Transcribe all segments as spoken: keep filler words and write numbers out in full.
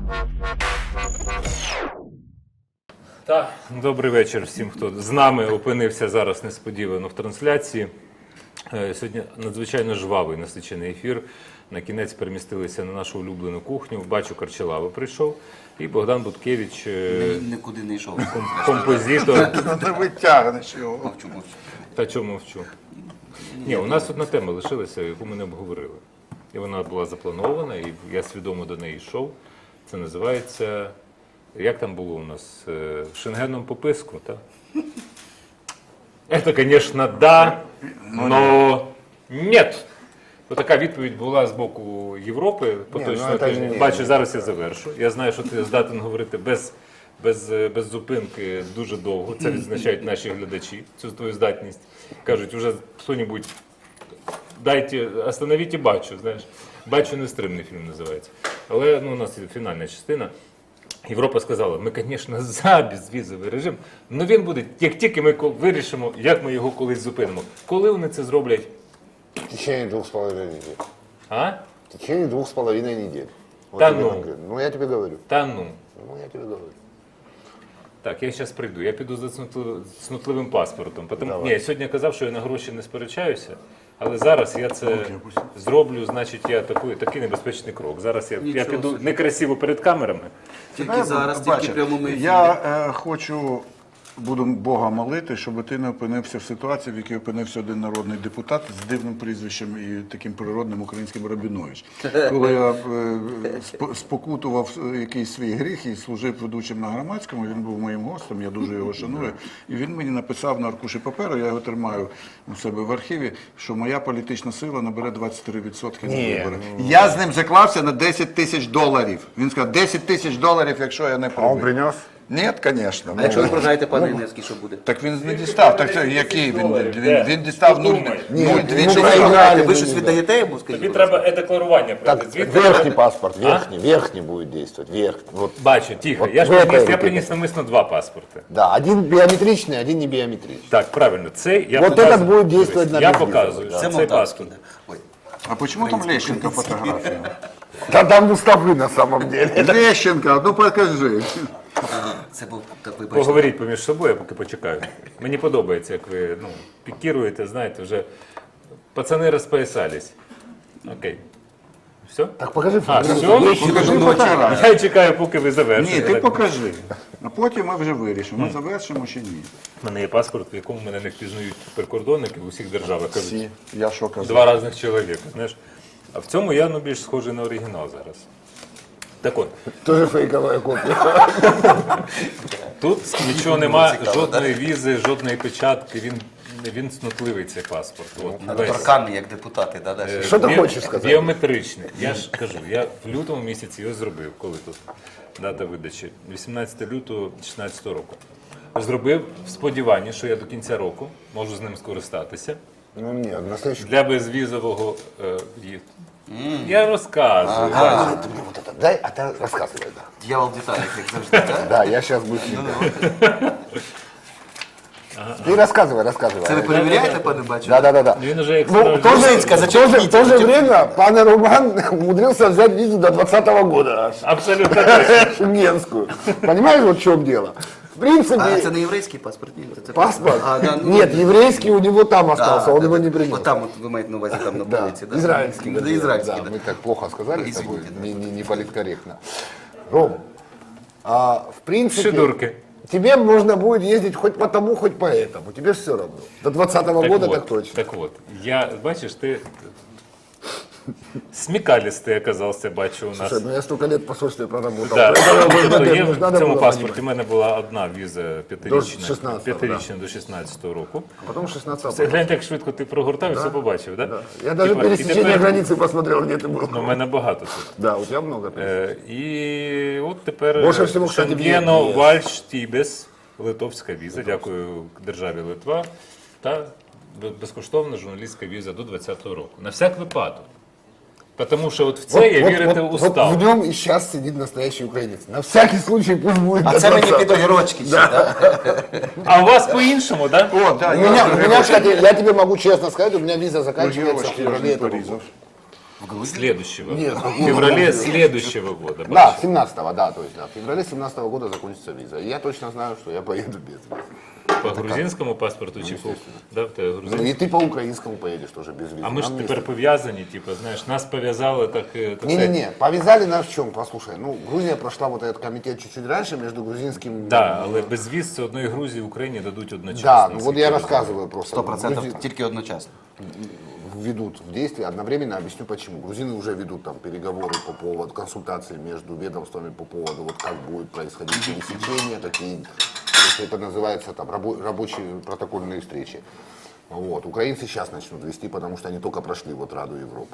Так, добрий вечір всім, хто з нами опинився зараз несподівано в трансляції. Сьогодні надзвичайно жвавий насичений ефір. На кінець перемістилися на нашу улюблену кухню. Бачу, Карчелава прийшов. І Богдан Буткевич, нікуди не йшов. Композитор. Не витягнеш його. Мовчу, мовчу. Та чому мовчу? Ні, у нас одна тема лишилася, яку ми не обговорили. І вона була запланована, і я свідомо до неї йшов. Це називається, як там було у нас, шенгеном по писку, так? Это, конечно, да, но нет. Така відповідь була з боку Європи. Поточно, ну, бачу, зараз я завершу. Я знаю, що ти здатен говорити без, без, без зупинки дуже довго. Це відзначають наші глядачі, цю твою здатність. Кажуть, уже хто-небудь, дайте, остановіть і бачу, знаєш. Бачу, нестримний фільм називається. Але ну, у нас є фінальна частина. Європа сказала, ми, звісно, за безвізовий режим, але він буде, як тільки ми вирішимо, як ми його колись зупинимо. Коли вони це зроблять? В течение двух с половиной недель. А? В течение двух с половиной недель. Вот Да тебе ну. конкретно. Ну, я тебе говорю. Та ну. Ну, я тебе говорю. Так, я зараз прийду. Я піду за цнутли- цнутливим паспортом. Потому... Ні, я сьогодні казав, що я на гроші не сперечаюся, але зараз я це зроблю, значить, я такий, такий небезпечний крок. Зараз я, я Нічого піду собі. некрасиво перед камерами. Тільки зараз, Бачиш, тільки прямому ефірі. Я е, хочу, буду Бога молити, щоб ти не опинився в ситуації, в якій опинився один народний депутат з дивним прізвищем і таким природним українським Рабінович. Коли я е, сп- спокутував якийсь свій гріх і служив ведучим на Громадському, він був моїм гостем, я дуже його шаную. І він мені написав на аркуші паперу, я його тримаю у себе в архіві, що моя політична сила набере двадцять три відсотки на вибори. Я з ним заклався на десять тисяч доларів. Він сказав, десять тисяч доларів, якщо я не А он пробив. принес? Ні, звісно. А якщо ви програєте, пане Іневський, що буде? Так він не дістав. Так це який він? Він, він дістав нуль Ні, двічі. ну, Ви проіграли. Ви щось віддаєте йому, скажіть? Тобі будь ласка? треба е-декларування Так, пройти. Звідти- верхний паспорт, верхний, верхний будет действовать, верхний. Вот. Бачу, тихо. От Я ж ви приніс, це я робите. приніс намисно два паспорти. Да, один биометричный, один не биометричный. Так, правильно. Це я Вот показую. этот будет действовать на Я безвізовий, показую, да. що Це цей молдавський. паспорт. да. Ой. А чому там Лещенко фотографія? Да там Мустафы на самом деле. Лещенко, ну покажи. Ага, це був, так ви бачите. Поговоріть поміж собою, я поки почекаю. Мені подобається, як ви ну, пікіруєте, знаєте, вже пацани розпоясались. Окей. Все? Так покажи А, фотографию. все? Покажи фотографію. Я чекаю, поки ви завершите. Ні, ти Так. покажи. А потім ми вже вирішимо, ми завершимо чи ні. У мене є паспорт, в якому мене не впізнають прикордонники в усіх державах. Кажуть, Всі. Я що казав? два різних чоловіка. Знаєш? А в цьому я ну, більш схожий на оригінал зараз. Так от, Тоже фейковая копия. тут нічого нема, цікаво, жодної візи, жодної печатки. Він, він цнутливий цей паспорт. От, весь. Торканий, як депутати, да, да? Е, Що ти бі- хочеш сказати? Біометричний. Я ж кажу, я в лютому місяці його зробив. Коли тут дата видачі? вісімнадцятого лютого дві тисячі шістнадцятого року. Зробив в сподіванні, що я до кінця року можу з ним скористатися Ну нет, настоящий. для безвізового е, в'їзду. Я розказую. А, ты мне вот это дай, а ты рассказывай, да. Дьявол в деталях, як завжди, так? Да, я сейчас буду. Ты рассказывай, рассказывай. Це ви перевіряєте, пане бачу? Да, да, да, да. Він уже як Ну, в то же, Музицька, в то же, зачеркните, в то же время пан Руман умудрился взять визу до двадцатого года аж, абсолютно точно. шенгенскую. Понимаешь, вот в чем дело? В принципе, А це не єврейський паспорт? Ні, це- це паспорт, А, да, ну, нет, еврейский у него там остался, а, он да, его да. не принес. От там, от ви маєте на увазі, там на Да, полиці, да? израильский. Да, вернее, израильский, да, да. мы так плохо сказали Ну, с тобой, извините, не, не, не политкорректно. Ром, а, в принципе, Шидурки. тебе можно будет ездить хоть по тому, хоть по этому, тебе все равно. До двадцатого года от, так точно. Так от, я, бачиш, ти смекалистый оказався, бачу у нас. Слушай, ну я столько лет в посольстве проработал. Да. Поэтому Тобто надо- є в надо цьому было паспорті в понимать. мене була одна віза п'ятирічна, шістнадцятого, п'ятирічна до шістнадцятого року. Потом шестнадцатого. Це гляньте, як швидко ти прогортав і все побачив, так? Да? Я даже Типа, і пересечение тепер- границы посмотрел, где ты был. Ну, у мене багато тут. Да, у тебя много. Е, і от тепер Більше всього, кстати, Шенгено є. Вальштібес, литовська віза, дякую державі Литва, та безкоштовна журналістська віза до двадцятого року. На всяк випадок. Тому що от в це я вірити вот, устав. вот в нем и сейчас сидит настоящий украинец. На всякий случай пусть будет. А до це мені двадцатого. під огірочки ще, так? А у вас по-іншому, так? Да? О, да, У меня, у меня, кстати, я тебе могу честно сказать, у меня виза заканчивается в Огірочки я ж феврале не этого порізав. года. Следующего. Нет, В феврале следующего года. Да, семнадцатого, да, то есть да, в феврале семнадцатого года закончится виза. И я точно знаю, что я поеду без визы. По грузинському паспорту чи по да, в тебе Ну грузинський? и ты по украинскому поедешь тоже без визы. А ми ж Нам тепер не- пов'язані, типу, знаєш, нас пов'язали так. е, так сказати. Не-не-не, повязали нас в чем? Послушай, ну, Грузия прошла вот этот комитет чуть-чуть раньше между грузинским... Да, але без віз це одної Грузії Україні дадуть одночасно. Да, ну вот наскільки я розумію. рассказываю просто. Сто процентов Грузи- тільки одночасно. Ведут в действие одновременно, объясню почему. Грузины уже ведут там переговоры по поводу, консультации между ведомствами по поводу, вот как будет происходить пересечение, какие, то есть это называется там рабо- рабочие протокольные встречи. Вот. Украинцы сейчас начнут вести, потому что они только прошли вот Раду Европы.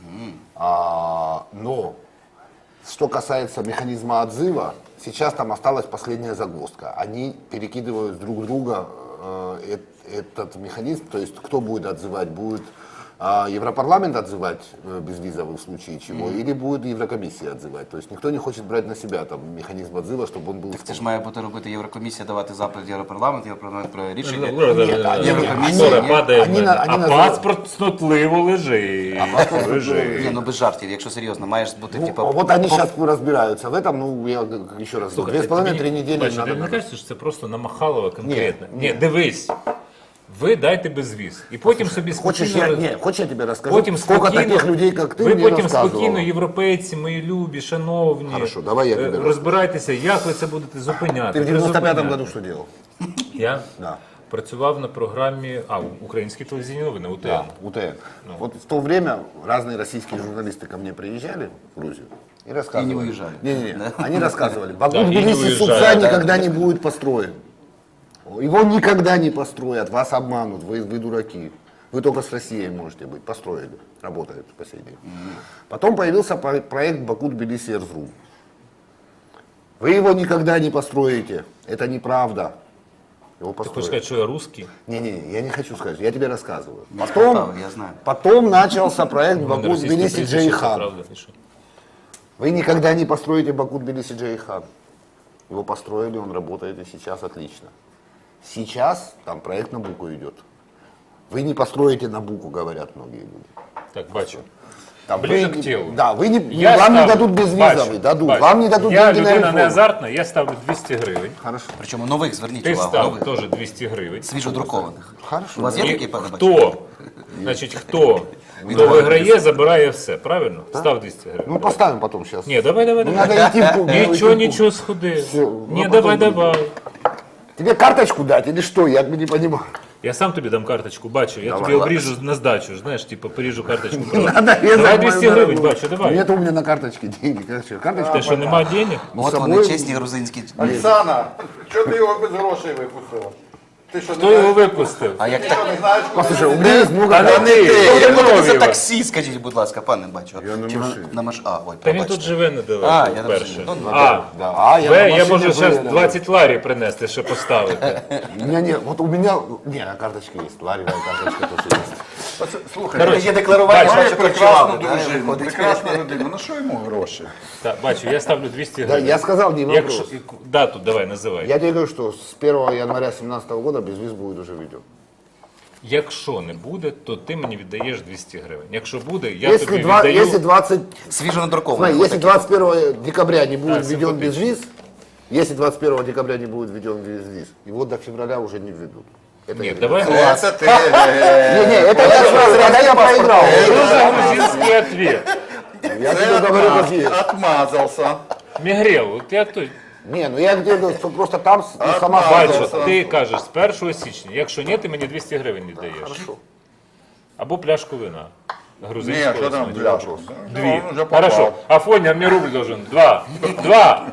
А, но что касается механизма отзыва, сейчас там осталась последняя загвоздка. Они перекидывают друг друга э, эт- этот механизм, то есть кто будет отзывать, будет а, Европарламент отзывать э, безвизовый в случае чего, или будет Еврокомиссия отзывать. То есть никто не хочет брать на себя там механизм отзыва, чтобы он был... Це ж має бути робити Єврокомісія, давати запит Європарламент, Європарламент про рішення. Ні, Єврокомісія, Єврокомісія ні. падає в Вони мене, на- а вони називають- паспорт снотливо лежить. Лежить. Ні, ну без жартів, якщо серйозно, маєш бути, Ну, типа, вот они сейчас разбираются в этом, ну, я еще раз говорю, две с половиной-три тобі- недели бачиш, надо... тобі не надо. кажеться, що це просто намахалово конкретно? Ні, Ні, дивись. Ви дайте безвіз. І потім собі Хочешь спокійно... я, не, хочешь я тебе расскажу, Потім сколько спокійно, таких людей, как ты, ви мне потім рассказывала? спокійно, європейці, мої любі, шановні, Хорошо, давай я е, тебе розбирайтеся, як ви це будете зупиняти. Ты в девяносто пятом призупиняти. году что делал? Я Да. працював на програмі, а, українські телевізійні новини, УТН. Да, УТН. Вот в то время разные российские журналисты ко мне приезжали в Грузию и рассказывали. И не уезжали. Не-не-не, они рассказывали, Баку Да, и не Тбилиси уезжали, Сукса да. никогда не будет построен. Его никогда не построят, вас обманут, вы, вы дураки. Вы только с Россией можете быть. Построили, работает по сей день. Потом появился про- проект Баку-Тбилиси Эрзрум. Вы его никогда не построите. Это неправда. Его Ти хочеш построили. сказати, що я русський? Не-не, я не хочу сказать, я тебе рассказываю. Я Потом, спитав, я знаю. потом начался проект У мене Баку російське Тбилиси прізвище, Джейхан. правда, і що? Вы никогда не построите Баку Тбилиси Джейхан. Его построили, он работает и сейчас отлично. Сейчас там проект Набуко идет. Вы не построите Набуко, говорят многие люди. Так, бачу. Там Ближе вы к не- телу. Да, вы не, Я вам не ставлю- дадут безвизовый, бачу, дадут. бачу. Вам не дадут Я деньги на людина не реформу. азартна, я ставлю двісті гривень. Хорошо. причому нових, зверніть Ти увагу, став нових, теж двісті гривень. свіжодрукованих. Хорошо. У вас є І такий, пане Бачу? хто, значить, хто, хто виграє, забирає все, правильно? Став двісті гривень. Ну поставим потом сейчас. Ні, давай, давай, Ну, давай. надо идти в клуб. Нічого, нічого, сходи. Все, Ні, ну, давай, потом давай. Тебе карточку дать или что? Я не понимаю. Я сам тобі дам карточку, бачу. Я Давай, тобі ладно. обріжу на здачу, знаєш, типу, поріжу карточку. Надо резать Давай мою двісті гривень, дорогу. бачу, давай. Нет у меня на карточке денег. Короче, карточка. Те, що нема денег? От З вони собою- чесні грузинські. Оксана, що ти його без грошей випустила? Ти що, Хто його випустив? А як так? не знаєш, Послушай, у меня есть много Та не карточек. ти, Як я будете за нові. таксі, скажіть, будь ласка, пане Бачу. Я на Чи ви машині. на маш... А, ой, Та він пробачте. тут живе А, недалеко, я перше. розумію. Ну, А, Да, а я, Б, на я машине можу зараз выехал. двадцять ларів принести, ще поставити. У меня нет, вот у меня, не, на карточке есть, ларевая карточка тоже есть. слухай, Коротше, Є декларування, бачиш, має бачу, прекрасну працювали, да, дружину, виходить. прекрасну родину, ну що йому гроші? Так, бачу, я ставлю двісті Да, гривень. я сказал, не вопрос. Якщо, дату давай, називай. Я тебе говорю, что с первого января две тысячи семнадцатого года безвиз будет уже введен. Якщо не буде, то ти мені віддаєш двісті гривень. Якщо буде, я Если, тобі два, віддаю... если двадцать, Свіжо надрукований. смотри, если двадцать первого декабря не будет Да, введен симпатично. безвиз, если двадцать первого декабря не будет введен безвиз, его до февраля уже не введут. Это Ні, я давай Це ти. Не, не, это я сразу, когда я проиграл. Дуже грузинський ответ. Я тебе говорю, как есть. Отмазався. Мігрел, от я той... Не, ну я где-то что просто там с- ну, сама Бачу, фраза. ти кажеш з першого січня. Якщо ні, ти мені двісті гривень віддаєш. Хорошо. Або пляшку вина. Ні, Грузинського що там смачного. пляшку? Дві. Ну, вже попав. Хорошо. Афоня мне рубль должен. Два. Два.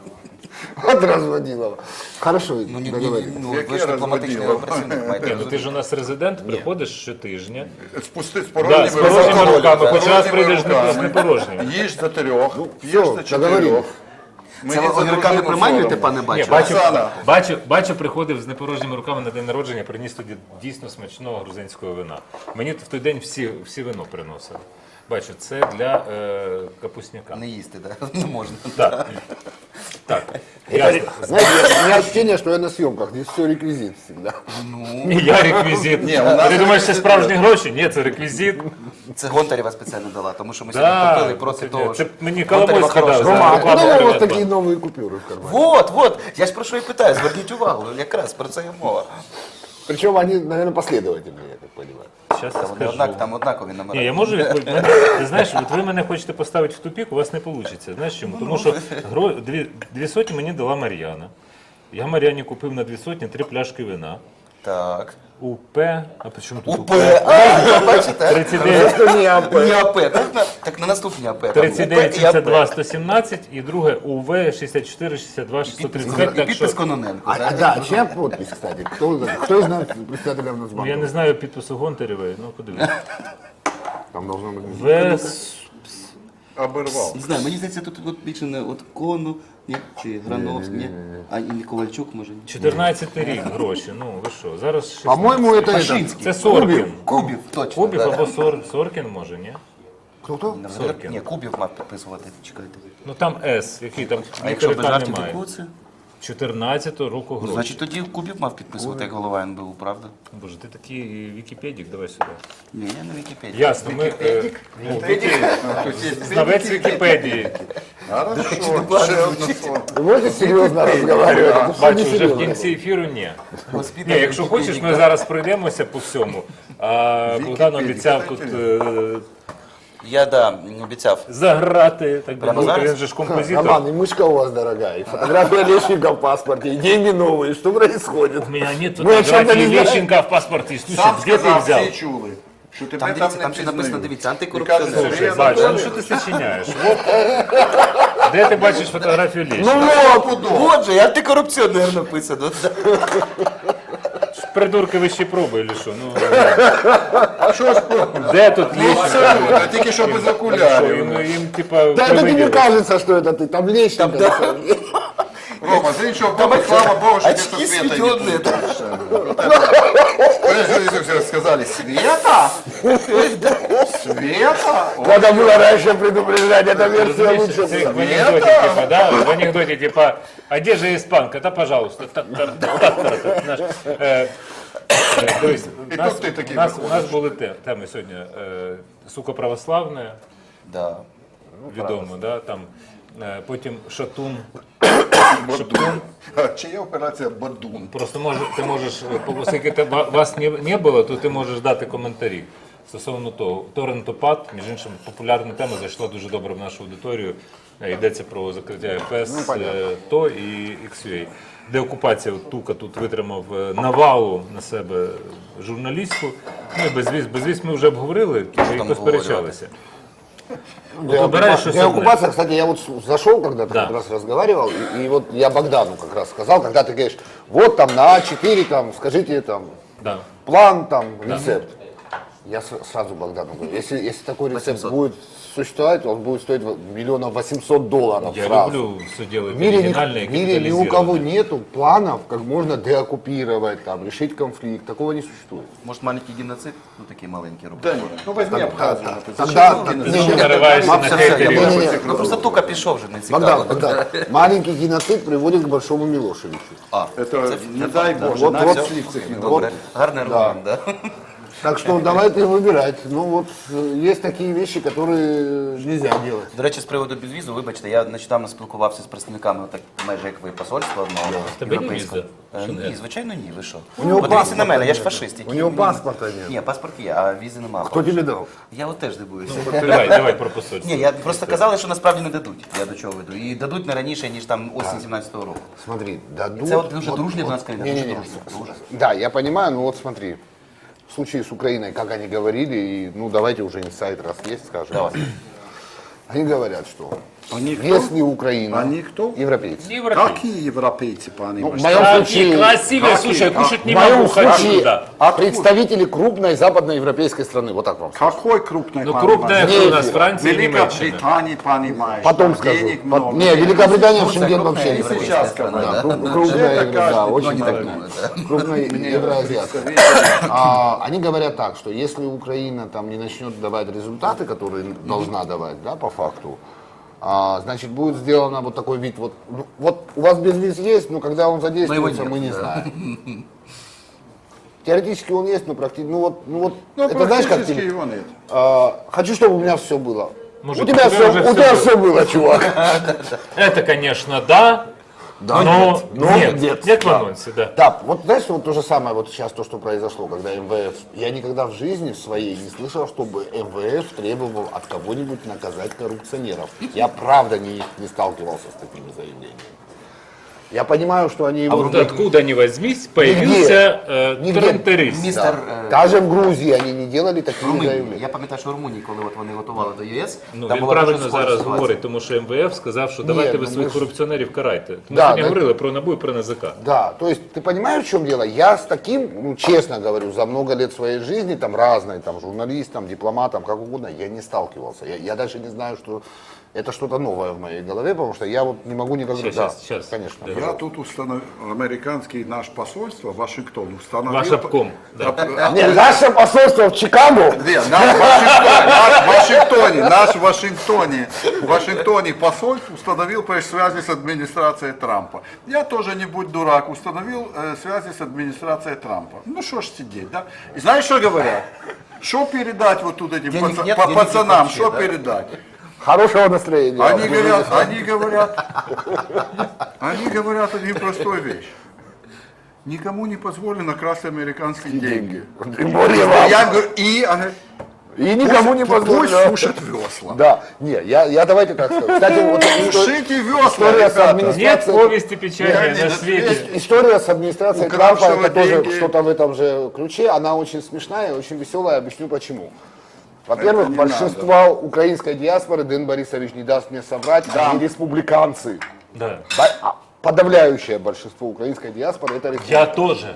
Вот разводила. Хорошо, Ну, ні, ні, договорились. ну, Яке ви ж дипломатичний розводило? працівник, маєте Ні, ну ти розуміти. ж у нас резидент, приходиш щотижня. Спусти з Да, порожніми з порожніми руками, хоч раз Порожніми прийдеш не- руками. з непорожніми. Їж за трьох, п'єш все, за чотирьох. договорились. Мені Це ви за огірками дружину приманюєте, соромно. пане Ні, Бачу? бачу, Оксана. бачу, бачу, приходив з непорожніми руками на день народження, приніс тоді дійсно смачного грузинського вина. Мені в той день всі, всі вино приносили. Бачу, це для е, капусняка. Не їсти, да? Не можна. Так. Так. Ясно. Знаете, у меня ощущение, что я на съемках. Здесь все реквизит всегда. Ні, я реквізит. Ні, у нас Ти думаєш, це справжні гроші? Ні, це реквізит. Це Гонтарєва спеціально дала, тому що ми Да, сьогодні топили проти це- того, це що мені Гонтарєва Коломойська хороша. дала. Рома, а Реклама откуда у вас Приватбанк. такие новые купюры в кармане? Вот, вот, я ж про що і питаю, зверніть увагу, якраз про це і мова. Причем они, наверное, последовательные, я так понимаю. Щас Там, я вони скажу. однак, там однакові номери. Ні, я можу відповідати. Ти знаєш, от ви мене хочете поставити в тупік, у вас не вийде. Знаєш чому? Тому що гро... дві, дві сотні мені дала Мар'яна. Я Мар'яні купив на дві сотні три пляшки вина. Так. УП, а при чому тут УП? УП, а, бачите? тридцять дев'ять Что не АП? Не АП, так на, так на наступні АП. там тридцять дев'ять УП і сімдесят два АП. сто сімнадцять і друге УВ шістдесят чотири шістдесят два шістсот тридцять п'ять. І Так що підпис Кононенко. А, а, да, чья подпись, кстати? Кто, кто из нас председателя ну, Нацбанка? я не знаю підпису Гонтарєвої, ну подивись. Там должно быть... Вес... Оборвав. Не знаю, мені здається, тут от більше не от Кону, ні, чи Грановський, ні, а і не Ковальчук, може. ні. чотирнадцятий рік гроші. Ну ви що? Зараз шістнадцять. По-моему, это... Пашинский. Це Соркін. Кубів, точно. Кубів да. або Сор... Соркін може, ні? Кто-кто? Соркін. Ні, Кубів мав підписувати, чекайте. Ну там С, який там А якщо без літерика жартів, немає. яку це? чотирнадцятого року гроші. Значить тоді Кубів мав підписувати як голова ен бе у, правда? Боже, ти такий Вікіпедік, давай сюди. Ні, я на Вікіпедії. Ясно, ми... е, ну, Знавець Вікіпедії. Хорошо, ще одне слово. Вы можете серьезно разговаривать? Это всё Бачу, вже в несерьезно. кінці ефіру ні. Госпіталь Ні, якщо хочеш, ми Вікіпедії. зараз пройдемося по всьому. А Богдан обіцяв тут е, Я, да, обіцяв. заграти, так би Прямо мовити, зараз? він же ж композитор. Роман, и мышка у вас дорогая, и фотография Лещенко в паспорте, и деньги новые. Что происходит? У меня нет Мы о чем-то фотографии не знаем. Лещенко в паспорте. Слушай, Сам где ты сказав, взял? всі чули, що тебе Там, там, дивіться, не там ще написано, пізнають. дивіться, І антикорупціонер. кажуть, Слушай, що бач, я ну що ти сочиняєш? Вот. Де ти бачиш фотографію Ну Лещенка? от, от же, антикорупціонер написано. Придурки ви ще пробує, чи що? Ну, А що ж про- де тут Лещенко? Абсолютно, тільки що без Що, окулярів. їм, їм типа, Да это тебе привиділось? кажется, что это ты, там Лещенко. Рома, з іншого боку, слава Богу, що ти Очки тут света сведенные. не сказали, Света? Света? О, Надо было раньше предупреждать, эта версия Розумієш, лучше це была. в анекдоті, типа, да? В анекдоті, типа, а де же іспанка? Та, пожалуйста. Так, так, так, так, так, знаєш. Е, е, Дивись, у нас, тут ти такий у нас, у виходиш. нас були те- теми сьогодні. е, Сука православне, Да. відомо, да? Там, е, потім Шатун. Бадун. А чия операція Бадун? Просто може, ти можеш, е, оскільки те- ва- вас не, не було, то ти можеш дати коментарі стосовно того. Торрентопад, між іншим, популярна тема, зайшла дуже добре в нашу аудиторію. Е, Йдеться про закриття еф ес, е, ТО і ікс ю ей. Деокупація от Тука тут витримав е, навалу на себе журналістську. Ну і безвіз, безвіз ми вже обговорили, ми там якось обговорювати? сперечалися. Деоккупа- выбираешь, что Деоккупация, кстати, я вот с- зашел когда-то, Да. как раз разговаривал, и, и вот я Богдану как раз сказал, когда ты говоришь, вот там на А четыре, там, скажите там, Да. план, там, рецепт. Я с- сразу Богдану говорю, если, если такой рецепт восемьсот. будет существовать, он будет стоить миллионов восемьсот долларов Я сразу. люблю все делать В мире, ни, оригинально и в мире ни у кого капитализированно. нету планов, как можно деоккупировать, там, решить конфликт. Такого не существует. Може маленький геноцид? Ну такий маленький робить. Да ні, ну візьми Абхазію, написано. Тогда... Ти що нариваєшся на Все, все, я хейтерів? понял. Не-не-не. Ну просто тука пішов вже, не Богдан, цікаво. Богдан, маленький геноцид приводит к большому Милошевичу. А, Це, не дай Боже, Вот, навіть вот, слів цих не добре. Гарний аргумент, да? Так что давайте выбирать. Ну вот э, есть такие вещи, которые нельзя делать. До речі, з приводу безвізу, вибачте, я нещодавно спілкувався з представниками, так майже як ви, посольства одного Тебе є європейського. віза? Е, Що Ні, не? звичайно, ні, ви що? У нього Подивіться на паспорта мене, я ж нет. фашист. У який нього мені- паспорта нет. Ні, паспорт є, а візи немає. Кто тебе дал? Я от теж дивуюся. Давай, давай про посольство. Ні, я просто казали, що насправді не дадуть. Я до чого веду. І дадуть не раніше, ніж там осінь сімнадцятого року. Смотри, дадут... Это вот уже дружная у нас страна, не, не, уже не. дружная, дружная. Да, я понимаю, но вот смотри. В случае с Украиной, как они говорили, и, ну давайте уже инсайт раз есть, скажем. Давай. Они говорят, что Они кто? если Украина... Они кто? Европейцы. Европейцы. Какие европейцы, пане Ну, в Иваш? моем Какие случае... красивые, какие? слушай, я кушать В не моем могу, хочу случае туда. представители крупной западноевропейской страны. Вот так вам скажу. Какой крупный, Ну пане крупная Иваш? кто у Не нас, эфира. Франция и Великая Немеччина. Британия, понимаешь, Потом там скажу. денег Пот- много. Не, Великобритания в Турция Шенген крупная вообще не европейская входит. страна, Да, да. кру- крупная, Это евро- да, каждый очень понимает. такая. Крупная евроазиатская. А, они говорят так, что если Украина там не начнет давать результаты, которые должна давать, да, по факту, а, значит, будет сделано вот такой вид, вот, ну, вот у вас безвиз есть, но когда он задействуется, нет, мы не да. знаем. Теоретически он есть, но практически, ну вот, ну вот, Ну, это знаешь как практически тебе? его нет. А, хочу, чтобы у меня все было. Мужик, у тебя, у тебя все, уже у всё тебя было. все было, чувак. Это, конечно, да, Да, но нет, но нет, нет, нет в да. анонсе, да. Да, вот знаешь, вот то же самое вот сейчас то, что произошло, когда эм вэ эф. Я никогда в жизни своей не слышал, чтобы эм вэ эф требовал от кого-нибудь наказать коррупционеров. Я правда не, не сталкивался с такими заявлениями. Я понимаю, что они его... Вот откуда ни возьмись, появился э, Нигде. трентерист. Містер Да. е, Даже в Грузии они не делали такие Румунії. заявления. Я пам'ятаю, що в Румунії, коли от вони готували до ЄС, Ну, там він була правильно дуже схожа зараз ситуація. говорить, тому що ем ве еф сказав, що давайте Ні, ви ну, своїх ми ж- корупціонерів карайте. Ми Да, сьогодні да. говорили про НАБУ і про ен зе ка. Да, то есть ты понимаешь, в чем дело? Я с таким, ну, честно говорю, за много лет своей жизни, там, разной, там, журналистом, дипломатом, как угодно, я не сталкивался. Я, я даже не знаю, что это что-то новое в моей голове, потому что я вот не могу никогда... Щас, да, щас, щас. конечно. Да. Я тут установил, американский наш посольство, Вашингтон, установил... Ваш обком. Да. А, Не, наше посольство в Чикаго, Не, наш Вашингтон, наш в Вашингтоне, наш в Вашингтоне, в Вашингтоне посольство установил прежде связи с администрацией Трампа. Я тоже не будь дурак, установил э, связи с администрацией Трампа. Ну что ж сидеть, да? И знаешь, что говорят? Что передать вот тут этим Денег паца- нет, па- денег пацанам, вообще, что да? передать? хорошего настроения. Они говорят, они говорят, они говорят одну простую вещь. Никому не позволено красть американские деньги. Тем более вам. Я говорю, и, ага, И никому не пусть, позволено. пусть сушат весла. Да, не, я, я давайте так скажу. Кстати, вот история, Сушите весла, история с ребята. администрацией... Нет повести печальной Я на не- свете. История с администрацией Укравшего Трампа, это тоже деньги. что-то в этом же ключе, она очень смешная и очень веселая, объясню почему. Во-первых, Это не большинство украинской диаспоры, Дэн Борисович не даст мне соврать, они республиканцы. Да. Да, а Подавляющее большинство украинской диаспоры это Я республиканцы. тоже.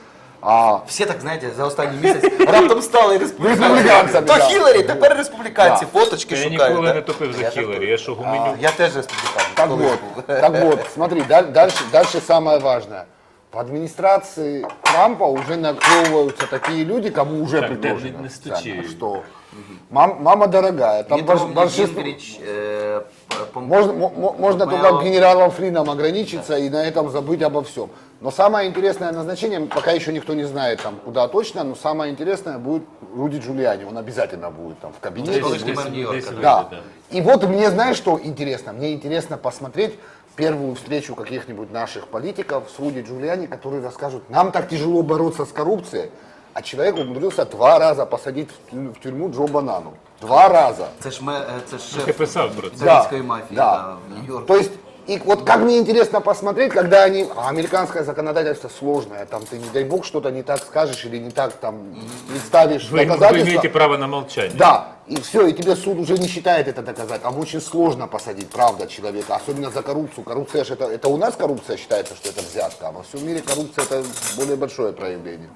А, Всі так, знаєте, за останній місяць раптом стали республіканцями. Республіканцями, То да. Хіларі, тепер республіканці, фоточки Я шукають. ніколи да? не топив за Я ж Хіларі, тут. я що А, гуменю. Я теж республіканець. так колись вот, був. так вот, смотри, даль- дальше, дальше самое важное. В администрации Трампа уже наклевываются такие люди, кому уже Так, Дэн, предложено, не- не стучи. официально, что мам- мама дорогая, там Дмитро больш- большинство... Гінгріч, е, Пом- Можно, мо- мо- можно Помпео. только генералом Флином ограничиться и на этом забыть обо всем. Но самое интересное назначение, пока еще никто не знает там куда точно, но самое интересное будет Руди Джулиани. Он обязательно будет там в кабинете. колишній мер Десь- Нью-Йорка, десь да. вийде, Да. да. И вот мне, знаешь, что интересно? Мне интересно посмотреть первую встречу каких-нибудь наших политиков с Руди Джулиани, которые расскажут, нам так тяжело бороться с коррупцией, а человек умудрился два раза посадить в тю- в тюрьму Джо Банану. Два раза. Це ж, ме- е, це ж Ти шеф писав про це. італійської мафії да. да, в Нью-Йорку. То есть, и вот как мне интересно посмотреть, когда они, а американское законодательство сложное, там ты, не дай бог, что-то не так скажешь или не так там представишь Ви, ви доказательства. маєте право на мовчання. Да, и все, и тебе суд уже не считает это доказать. Там очень сложно посадить, правда, человека, особенно за коррупцию. Коррупция же это, это у нас коррупция считается, что это взятка, а во всем мире коррупция это более большое проявление.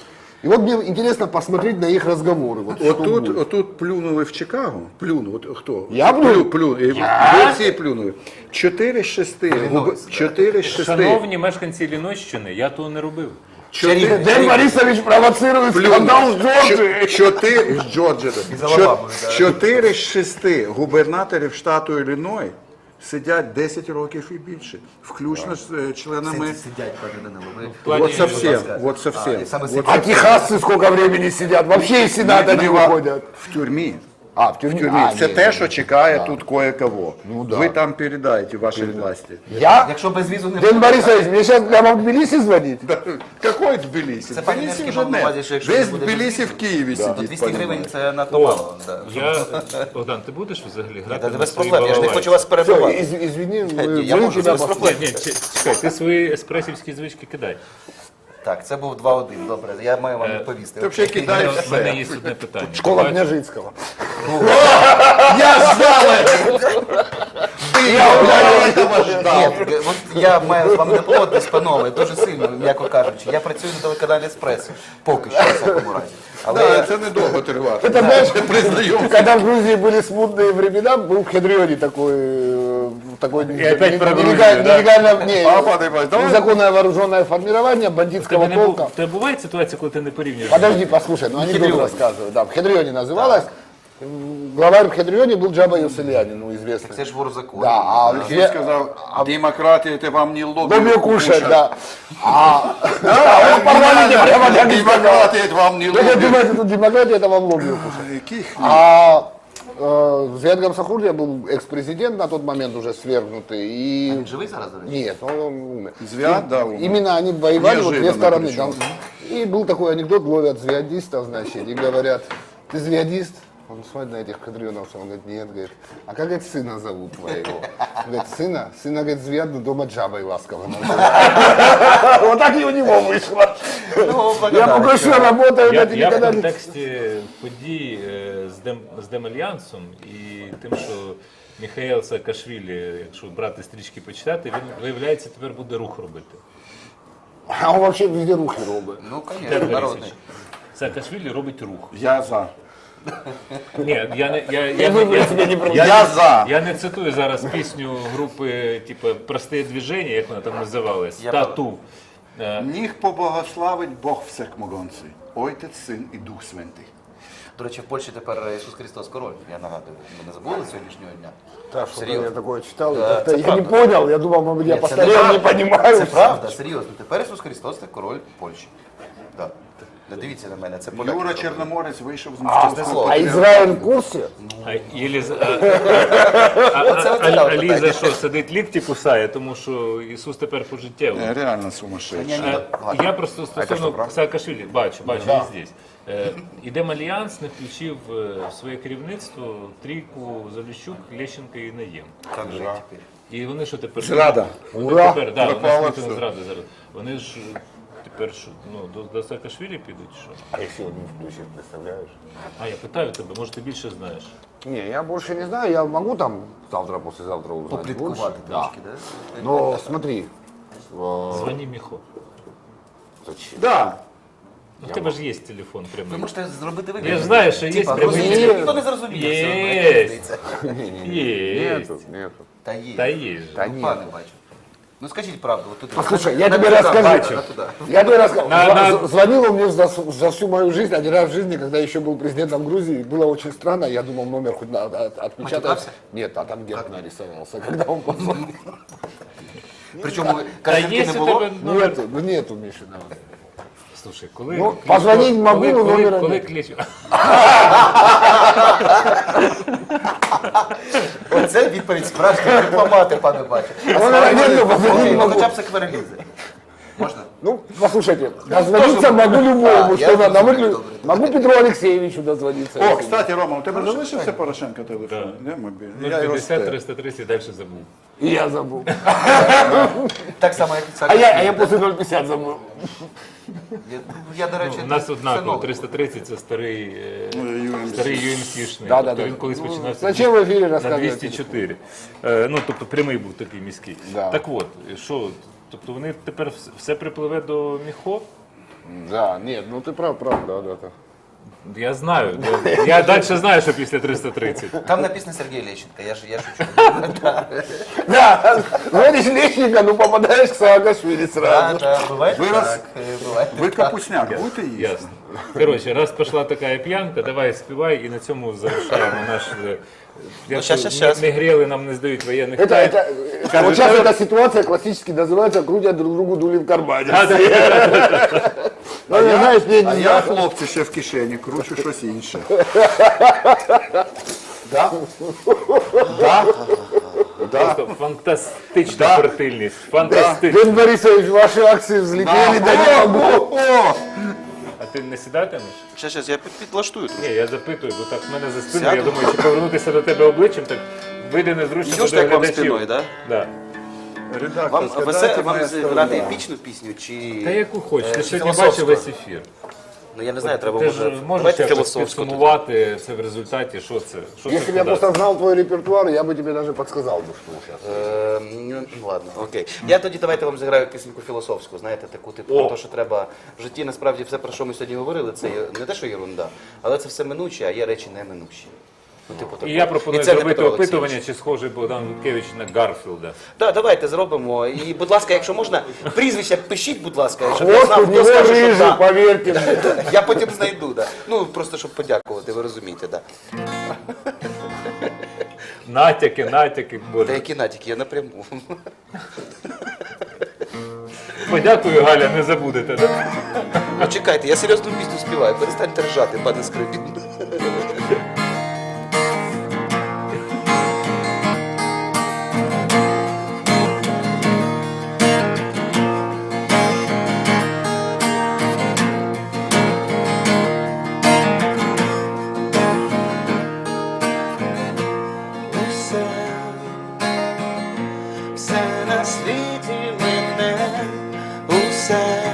И вот мне интересно посмотреть на их разговоры. Вот, что Отут, будет. отут плюнули в Чикаго. Плюнув. От хто? Я плюнув? Плю- плюнув. І Ви всі плюнули. Чотири з шести. губи- Чотири з шести. Шановні мешканці Лінойщини, я того не робив. Чотири- Дэн Борисович провоцирует скандал с Джорджией. Чо- Чотири з Джорджії. з Алабами, Чо- Чотири з шести губернаторів штату Ілліной сидять десять років і більше, включно з е, членами. Сидять, сидять, пане Данило. Ви- плані- Вот совсем, будь ласка. вот совсем. А, і саме Вот А техасцы сколько времени сидят? Вообще из Сената не Нема- выходят. В тюрмі. А, в тюрьме. В тюрмі. А, Це ні, те, ні. що чекає тут кое-кого. Ну, да. Ви там передайте вашій власті. Я? Якщо без візу не Дэн Борисович, мне сейчас прямо в Тбилиси звонить? Какой Тбілісі? Це пан Тбілісі Ленський вже мав на не. увазі, що якщо Весь не буде Тбілісі в Києві то сидить. двісті гривень понімаєш. це надто мало. да. Я, Богдан, ти будеш взагалі грати Та на без своїй проблем, я ж не балалайці? хочу вас Все, перебивати. из- извини, Я мы можу, вынуждены без вас- проблем. Ні, чи- чекай, ти свої еспресівські звички кидай. Так, це був два один, добре, я маю вам Е, відповісти. Ти взагалі У кидаєш мене, в мене все. є одне питання. Школа Бачиш? Княжицкого. Я знала! Ти його ждав. Ні, от я маю з вами не погодитись, панове, дуже сильно, м'яко кажучи. Я працюю на телеканалі «Еспресо», поки що, в всякому разі. Але Да, це недовго триває. Это знаешь, когда в Грузии были смутные времена, был в Хедрионе такой, э, такой опять про Грузию, нелегально, да? нелегально- не, А, Павел Иванович, давай. незаконное вооруженное формирование бандитского Тебе не бу- полка. в тебе буває ситуація, коли ти не порівнюєш? Подожди, послушай, ну анекдот Хедрионе. рассказываю. Да, в Хедрионе называлось. главарь в Хедрионе был Джаба Юсельянин, ну, известный. Це ж вор закону. Да, а Він Зве- сказав, демократія це вам не лобі Лобби кушать, да. А, да, он в парламенте прямо так и сказал. Демократія це вам не Ну, вы лобі. думаете, тут демократия, это вам лобби кушать. Яких? А э, Зиад Гамсахурдия был экс-президент на тот момент уже свергнутый. И... Він живий зараз, до речі? Нет, он, он умер. Звят, да, умер. Именно они воевали вот две Неожиданно стороны. причем. Там. И был такой анекдот, ловят звездистов, значит, и говорят, ты звездист? Он смотрит на этих кадрионовцев, он говорит, нет, говорит, а как, говорит, сына зовут твоего? Он говорит, сына? Сына, говорит, Звяд, но дома Джабой ласково называют. Вот так и у него вышло. Я пока что работаю, Я, это я в никогда не... контексті подій е, з, Дем, з Демальянсом і тим, що Міхаїл Саакашвілі, якщо брати стрічки почитати, він, виявляється, тепер буде рух робити. А он вообще везде рухи робит. Ну, звісно, Петро народний. Борисович, Саакашвілі робить рух. Я за. Ні, я не я, я, вибори тебе не я, проводять. я, Я за. я не цитую зараз пісню групи, типу, «Просте движення», як вона там називалась, Я «Тату». Е, Ніг поблагословить Бог всекмогонций, Отець, Син і Дух Святий. До речі, в Польщі тепер Ісус Христос король, я нагадую. Ми не забули сьогоднішнього дня? Да, что-то Серйозно. я такое читал, и Да, как-то это я правда. не понял, я думал, может быть, я Ні, це постарел, не правда. понимаю. Це правда, серйозно. Тепер Ісус Христос це король Польщі. Да. Не дивіться на мене, це поляки Юра зробили. Чорноморець вийшов з Чесне московського слово. А Израиль в курсе? А, Єліз... а, а, а, Оце а, цікаве а Ліза питання. що, сидить лікті кусає, тому що Ісус тепер пожиттєво. Е, Реально Ні, сумасшедший. ні, Е, ладно. Я просто стосовно Саакашвілі, бачу, бачу, він здесь. Е, Ідем Альянс не включив е, в своє керівництво трійку Заліщук, Лещенка і Наєм. Як же тепер? І вони що тепер? Зрада. Вони Ура! тепер, да, вони Пропало ж не все. зради зараз. Вони ж е, тепер що, ну, до, до Саакашвілі підуть, що? А если он не включит, представляешь? А я питаю тебе, може ти більше знаєш? Не, я больше не знаю, я могу там завтра, послезавтра узнать больше. Попліткувати Да. трошки, да? Но смотри, э, Звони Міхо. зачем? Да. Ну, в тебе ж є телефон Ви прямий. можете зробити вигляд. Я ж знаю, що є Типа, прямий розумієте, телефон. ніхто не зрозуміє. все одно, Є. як мені здається. Є. Нету, нету. Та є. Та є ж. Та Ну, ні. пане бачу. Ну скажіть правду. От тут Послушай, я на тебе туда, расскажу. бачу, на туда. Я тебе рассказал. На- Зва- на- з- Звонил он мне за, за всю мою жизнь, один раз в жизни, когда еще был президентом Грузии. Было очень странно, я думал, номер хоть надо от- отпечатать. Матюкался? Нет, а там герб нарисовался, когда он позвонил. Причому Та картинки є не у було. тебе номер. Нету, ну нету, Миша. Слушай, коли... Ну, Кличко- позвонить могу, коли, но коли, номера коли нет. Кличко... Оце відповідь справжньої дипломати, пане бачу. Номера нету, позвонить Ну, могу. хоча б секверлізи. Можна? Ну, послушайте, дозвониться могу А, любому, я что надо. разумею, Могу, добре. могу Петру Алексеевичу дозвониться. О, кстати, Рома, у тебе залишився Порошенко телефон? Не, мобільний. Я його п'ятдесят стер. триста тридцять далі забув. И я забыл. Так само, як і А я, а я после ноль пятьдесят забыл. Я, я, до речі, У нас це однаково, нове. триста тридцять це старий, е, ю ем сі. старий ю ем сі-шний. Да, да, Тобто да. він колись Ну, починався зачем в ефірі на розказувати? двісті чотири. Е, Ну, тобто прямий був такий міський. Да. Так от, що, тобто вони тепер вс- все припливе до Міхо? Да, нет, ну ты прав, прав, да, да, да. Я знаю. Я, я далі знаю, що після триста тридцять. Там написано Сергій Лещенко, я, ж, я шучу. Да, звонишь Лещенко, ну попадаешь к Саакашвили Да, сразу. да, буває Ви так, роз- е, буває Ви так. капусняк будете їсти? Ясно. Коротше, раз пішла така п'янка, давай співай і на цьому завершаємо наш... е, Якщо щас, щас, щас. не гріли, нам не здають воєнних Это, тайн. это, это, вот сейчас эта ситуация классически называется «крутят друг другу дули в кармане». Ну, я, знаешь, не, А не я, знаю. хлопці, ще в кишені, кручу щось інше. Просто фантастична фертильність. Фантастична. Дэн Борисович, ваши акции взлетели, да не могу. А ти не сідатимеш? Щас, щас, я під- підлаштую трохи. Ні, я запитую, бо так в мене за спиною, я Сяду? думаю, чи повернутися до тебе обличчям, так вийде незручно Йдеш до так вам глядачів. спиною, да? Да. Редактор, Вам, згадайте весе, вам моє зіграти слово. епічну пісню чи... Та яку хочеш, е, ти чи сьогодні філософську? бачив весь ефір. Ну я не знаю, треба Ти може... ж можеш Давайте якось філософську. тоді. підсумувати це в результаті, що це? Що це Если бы я куди? просто знал твой репертуар, я бы тебе даже подсказал бы, что сейчас. Е, ну, ладно, окей. Я тоді давайте вам зіграю пісеньку філософську, знаєте, таку типу, про те, що треба в житті, насправді все, про що ми сьогодні говорили, це є не те, що єрунда, але це все минуче, а є речі неминучі. Ну, типу, І такого. я пропоную І це не зробити Петро Олексійович. опитування, чи схожий Богдан Луткевич на Гарфілда. Так, давайте зробимо. І, будь ласка, якщо можна, прізвище пишіть, будь ласка, щоб я Вот знав, у хто него скаже, що рыжий, да. поверьте мне. Я потім знайду, да. Ну, просто щоб подякувати, ви розумієте, да. Натяки, натяки, Та боже. які натяки, я напряму. Подякую, Галя, не забудете. Да? Ну чекайте, я серйозну пісню співаю, перестаньте ржати, пане Скрипін. Усе, все на світі мене, усе,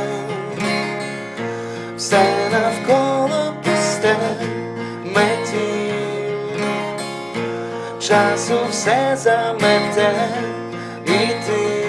все навколо пусте, меті, часу все замете, і ти,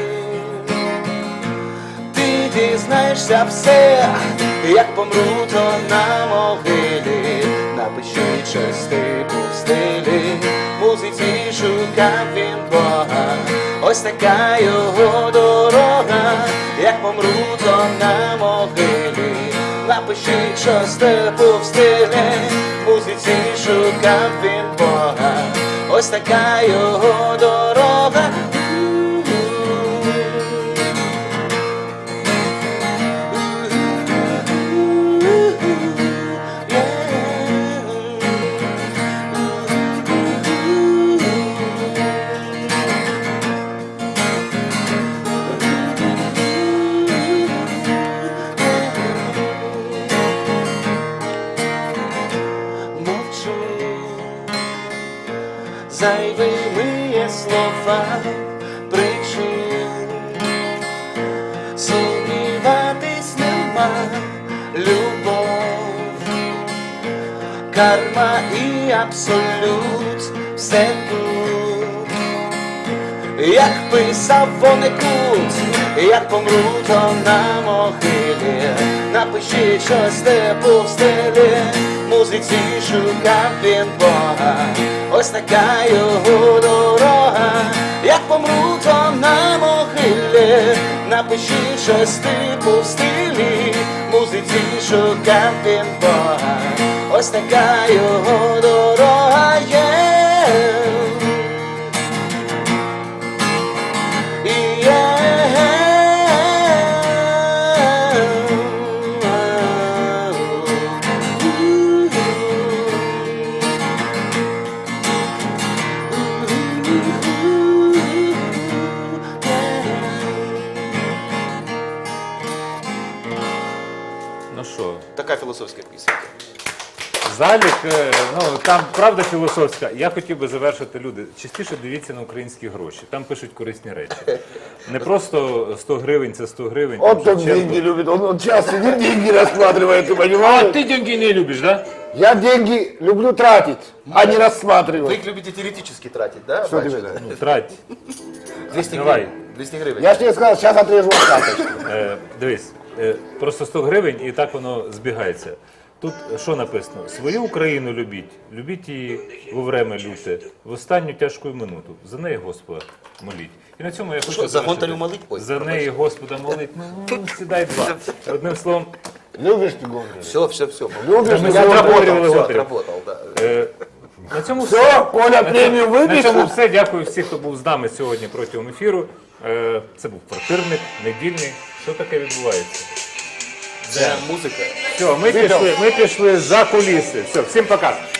ти дізнаєшся все, як помру, то на могилі, напиши щось типу в стилі, музиці шукав він Бога, ось така його дорога, як помру, то на могилі, напиши щось типу в стилі, музиці шукав він Бога, ось така його дорога. Мовчу, зайвими є слова, причин сумніватись нема, любов, карма і абсолют, все тут, як писав Вонекут, як помру, то на могилі, напиши щось типу в стилі, музиці шукав він Бога, ось така його дорога, як помру, то на могилі, напиши щось типу в стилі, музиці шукав він Бога, ось така його дорога є. Ну що, Така філософська пісня. залік, е, ну там правда філософська. Я хотів би завершити, люди. Частіше дивіться на українські гроші. Там пишуть корисні речі. Не просто сто гривень, це сто гривень. Он там так Шевченко. деньги любит, он, он часто деньги рассматривает, ты А понимаешь? ти деньги не любиш, да? Я деньги люблю тратить, а не Вы рассматривать. их любите теоретически тратить, да? Что ты бачу? видишь? Ну, трать. двести Давай. гривень. двести гривень. Я же тебе сказал, сейчас отрежу от карточки. Е, дивись, е, просто сто гривень і так воно збігається. Тут що написано? Свою Україну любіть, любіть її во время люте, в останню тяжку минуту. За неї Господа моліть. І на цьому я хочу Що, за завершити. Гонтарю молить? Ой, За пробач. неї Господа молить. Ну, ну, сідай два. Одним словом, Любишь ты Гонтаря? Все, все, все. Любишь? ми Я отработали отработал. Все, Гонтаря. отработал, да. Е, на цьому Все, все. Коля премию На цьому выпишет. все. Дякую всім, хто був з нами сьогодні протягом ефіру. Е, Це був квартирник, недільний. Що таке відбувається? Це музика. Все, ми пішли, ми пішли за куліси. Все, всім пока.